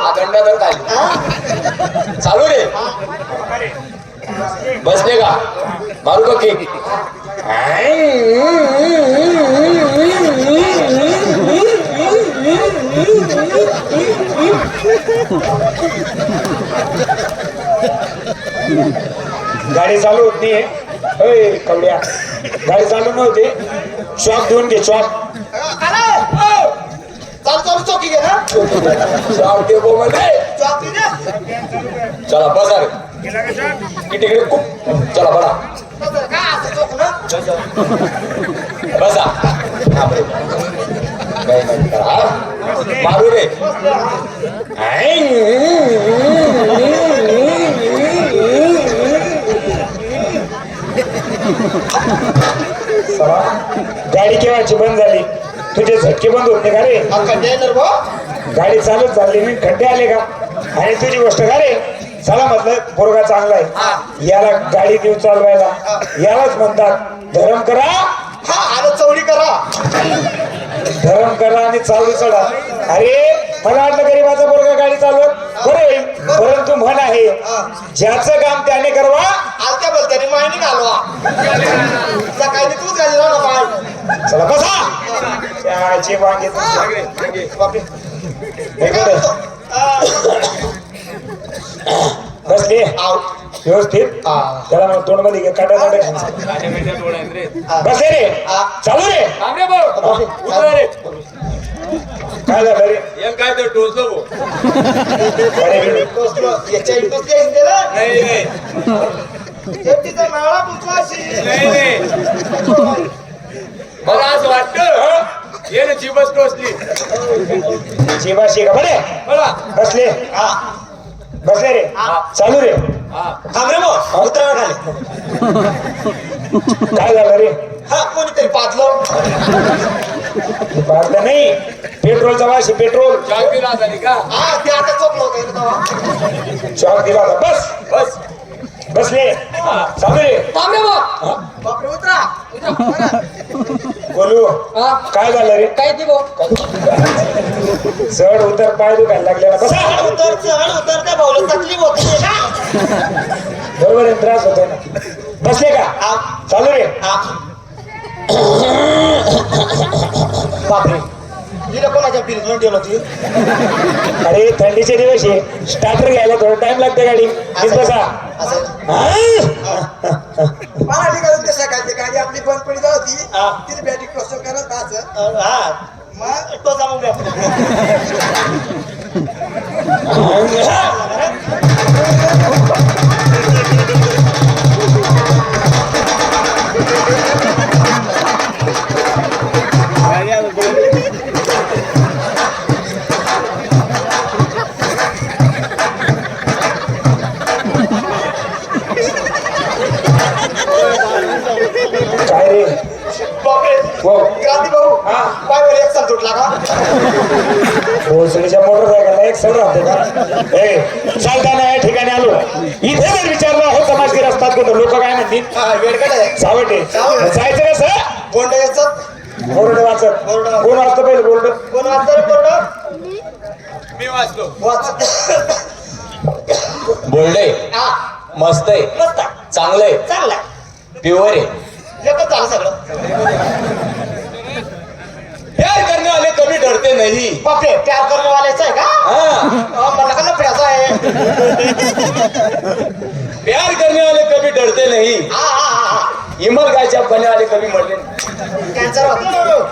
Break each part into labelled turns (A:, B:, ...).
A: गंडाधर खाली चालू रे बसले का मारू का केक
B: गाडी चालू होत नाहीये कवड्या गाडी चालू नव्हती शॉप देऊन घे शॉप
C: चालू चालू चौकी घे ना
A: शॉप दे बोमले
C: चौकी दे
A: चला बसा रे तिकडे खूप चला बडा
C: काय असं चौक ना
A: बसा मारू रे
B: गाडी केव्हाची बंद झाली तुझे झटके बंद होते का रे
C: कंटेनर गो
B: गाडी चालत चालली मी खड्डे आले का आणि तुझी गोष्ट का रे चला म्हटलं पोरगा चांगला आहे याला गाडी देऊ चालवायला यालाच म्हणतात धर्म करा
C: हा आलं चवडी करा
B: धर्म करा आणि चावडी चढा अरे मला वाटलं गरीबाचा पोरगा गाडी चालवत बरं होईल परंतु म्हण आहे ज्याचं काम त्याने करवा
C: आलत्या बोलत्याने माहिती घालवा सकाळी तूच घाली ना माय
B: चला बसा त्याचे वांगे बसले व्यवस्थित त्याला मग तोंड मध्ये काटा काटा बसले रे चालू रे काय झालं रे
A: काय तर टोचलो
C: याच्या इंटूच घ्यायचं ना तिचा नाळा पुचवाशी
A: मला असं वाटतं ये ना चिबस टोचली
B: शिवाशी का बरे बसले बसले रे चालू रे
C: थांबरे मग उतरायला खाली
B: काय झालं रे
C: हा कोणीतरी पाचलो
B: पाहता नाही पेट्रोलचा वाशी पेट्रोल
A: चॉक दिला झाली का
C: हा ते आता चोपलं होतं
B: चॉक दिला होता बस
A: बस
B: बसले चालू रे
C: बापरे उतरा
B: बोलू काय झालं रे
D: काय ती भाऊ
B: चढ उतर पाय दुखायला लागले ना बसा
C: उतर त्या भाऊला तकलीफ होती ना
B: बरोबर आहे त्रास होतोय ना बसले का चालू रे
C: बापरे हिला कोणाच्या फ्रीज मध्ये ठेवलं होती
B: अरे थंडीचे दिवस आहे स्टार्टर घ्यायला थोडा टाइम लागते गाडी बसा
C: असं मला ठिकाणी ते सकाळची गाडी आपली बंद पडी जात होती तिने बॅटरी क्रॉस करत असं मग तो जाऊन
B: काय रे
C: बापरे क्रांती भाऊ पायवर एक साल तुटला का
B: भोसडीच्या मोटरसायकलला एक सर राहते का चालताना या ठिकाणी आलो इथे जर विचारलं हो समाजगीर असतात कुठं लोक काय म्हणतील
C: वेडकट आहे
B: सावटे जायचं कसं
C: बोंड यायचं
B: बोर्ड वाचत कोण वाचतं पहिलं बोर्ड
C: कोण वाचतं रे बोंड
A: मी वाचलो
C: वाच
A: बोलले
C: हा
A: मस्त आहे
C: मस्त
A: चांगलंय
C: चांगला
A: प्युअर आहे
C: एकच झालं सगळं
A: प्यार करने वाले कभी डरते नहीं
C: बापरे प्यार करणे वाल्याचं आहे का मला का लफड्याचं आहे
A: प्यार करने वाले कभी डरते नहीं
C: हा हा हा
A: इमल गायच्या बने वाले कभी मरले नहीं
C: कॅन्सर होतो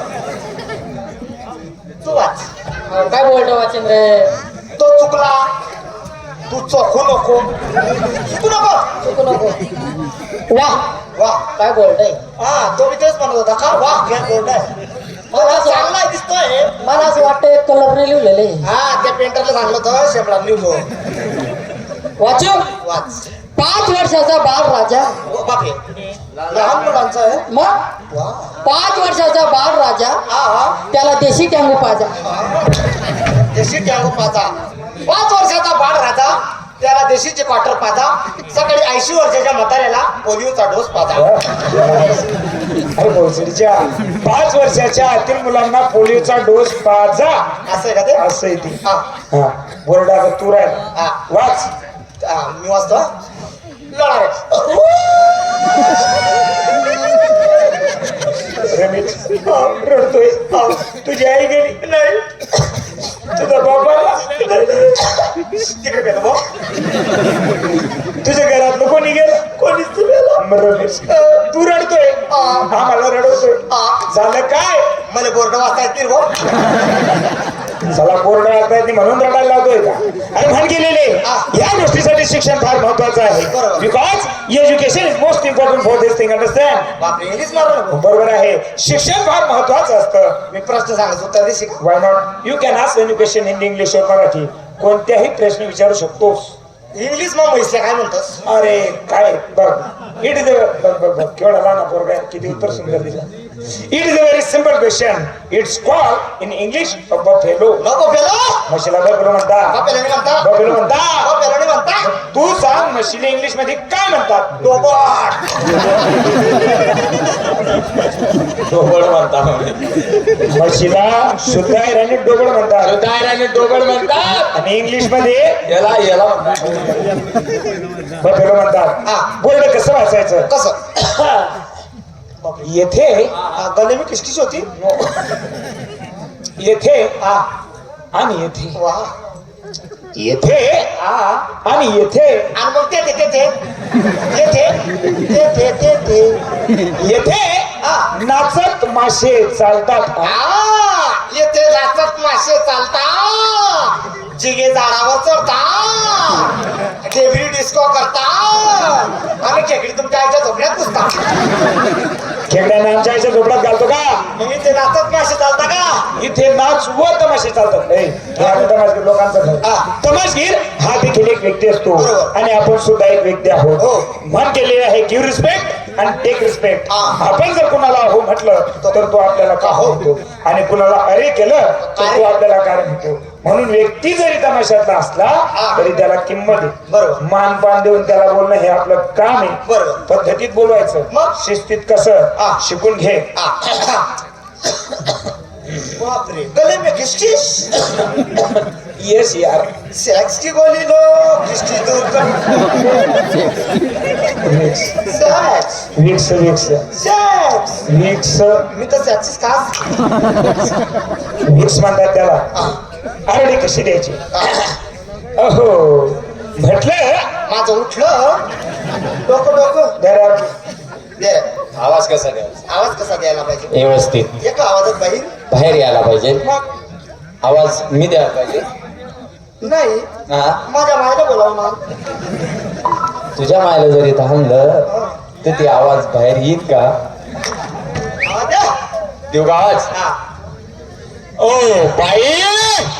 C: तू वाच
D: काय बोलतो वाचेंद्र
C: तो चुकला तू चोखू नको चुकू नको
D: चुकू नको वाह
C: वा
D: काय बोलतोय
C: हा तो मी तेच म्हणत होता का वा काय बोर्ड आहे मला चांगला दिसतोय
D: मला असं वाटतं कलरने लिहिलेले
C: हा त्या पेंटरला सांगलं होतं शेपडा लिहू
D: वाचू
C: वाच
D: 5 वर्षाचा बाळ राजा
C: बापरे लहान मुलांचं आहे
D: मग
C: वा
D: 5 वर्षाचा बाळ राजा
C: हा हा
D: त्याला देशी टँगू पाजा
C: देशी टँगो पाजा 5 वर्षाचा बाळ राजा त्याला देशीचे क्वार्टर पाजा सकाळी 80 वर्षाच्या म्हाताऱ्याला पोलिओचा डोस पाजा
B: अरे भोसडीच्या 5 वर्षाच्या आतील मुलांना पोलिओचा डोस पाजा
C: असं आहे का ते
B: असं आहे ती.
C: हा.
B: हा बोर्डाचा तूर आहे
C: हा.
B: वाच.
C: मी वाचतो हा. लढा
B: रमेश रडतोय. तुझी आई गेली नाही, तुझा बाबा
C: तिकडे गेलो भाऊ.
B: तुझ्या घरातलं कोणी गेलं?
C: कोणीच तुला
B: रमेश तू रडतोय, आम्हाला रडवतोय. झालं काय?
C: मला बोर्ड वाचता येतील भाऊ.
B: चला बोर्ड वाचता येते म्हणून रडायला लावतोय का? आणि म्हण गेलेले या गोष्टीसाठी शिक्षण फार महत्वाचं आहे.
C: बरोबर.
B: Because education is most important for this thing. Understand?
C: बापरे इंग्लिश मारू नको.
B: बरोबर आहे, शिक्षण फार महत्वाचं असतं.
C: मी प्रश्न सांगायचं उत्तर दे शिक.
B: Why not? You can ask any question in English और मराठी. कोणत्याही प्रश्न विचारू शकतोस.
C: इंग्लिश मग म्हैसल्या काय म्हणतोस?
B: अरे काय बघ, इट इज बघ केवढा लहान पोरगा आहे, किती उत्तर सुंदर दिलं. It is a very simple question. It's called in English buffalo.
C: नको पेलो.
B: म्हशीला बफेलो म्हणतात.
C: पेलो म्हणता.
B: बफेलो म्हणतात.
C: पेलो म्हणता.
B: तू सांग म्हशीला इंग्लिश मध्ये काय म्हणतात?
C: डोबट.
A: डोबळ म्हणता.
B: म्हशीला शुद्ध आणि डोबळ म्हणतात.
A: दायराने डोबळ म्हणतात.
B: आणि इंग्लिश मध्ये
A: याला याला म्हणतात.
B: बफेलो म्हणतात. बोर्ड कसं वाचायचं?
C: कसं?
B: येथे
C: गले मी किसकिस होती.
B: येथे आणि येथे.
C: वा.
B: येथे आणि येथे.
C: आणि मग ते
B: येथे नाचत मासे चालतात.
C: येथे नाचत मासे चालतात. जिगे झाडावर चढतात. खेकडी डिस्को करतात. आणि खेकडी तुमच्या आईच्या झोपड्यात पुसतात.
B: खेकड्यांना आमच्या आईच्या झोपड्यात घालतो का?
C: मग इथे नाचत मासे चालता का?
B: इथे नाच व तमाशे चालतात. तमाशगीर लोकांचा तमाशगीर हा देखील एक व्यक्ती असतो.
C: बरोबर.
B: आणि आपण सुद्धा एक व्यक्ती आहोत.
C: हो.
B: म्हण केलेले आहे गिव्ह रिस्पेक्ट आणि टेक रिस्पेक्ट. आपण जर कुणाला हो म्हटलं तर तो आपल्याला का हो म्हणतो, आणि कुणाला अरे केलं तर तो आपल्याला कारण म्हणतो. म्हणून व्यक्ती जरी तमाशातला असला तरी त्याला किंमत आहे.
C: बरोबर.
B: मानपान देऊन त्याला बोलणं हे आपलं काम आहे.
C: बरोबर.
B: पद्धतीत बोलवायचं.
C: मग?
B: शिस्तीत कसं शिकून घे.
C: बापरे गले में किसकिस.
B: येस यार.
C: सेक्स की गोली लो. किसकी दूर कर. सेक्स.
B: विक्स विक्स
C: सेक्स.
B: विक्स
C: मी तर सेक्स खास.
B: विक्स म्हणतात त्याला. आरडी कशी द्यायची? अहो म्हटलं
C: माझं उठलं डोकं
B: जरा
C: दे रे.
A: आवाज कसा द्यायचा?
C: आवाज कसा द्यायला पाहिजे?
A: व्यवस्थित
C: एका आवाजात बाहेर.
A: बाहेर यायला पाहिजे.
C: मग
A: आवाज मी द्यायला पाहिजे.
C: नाही
A: हा,
C: माझ्या मायला बोलावं ना.
A: तुझ्या मायला जर इथं आणलं तर ते आवाज बाहेर येईल का?
C: आवाज द्या.
A: देऊ का आवाज?
C: हा.
A: O by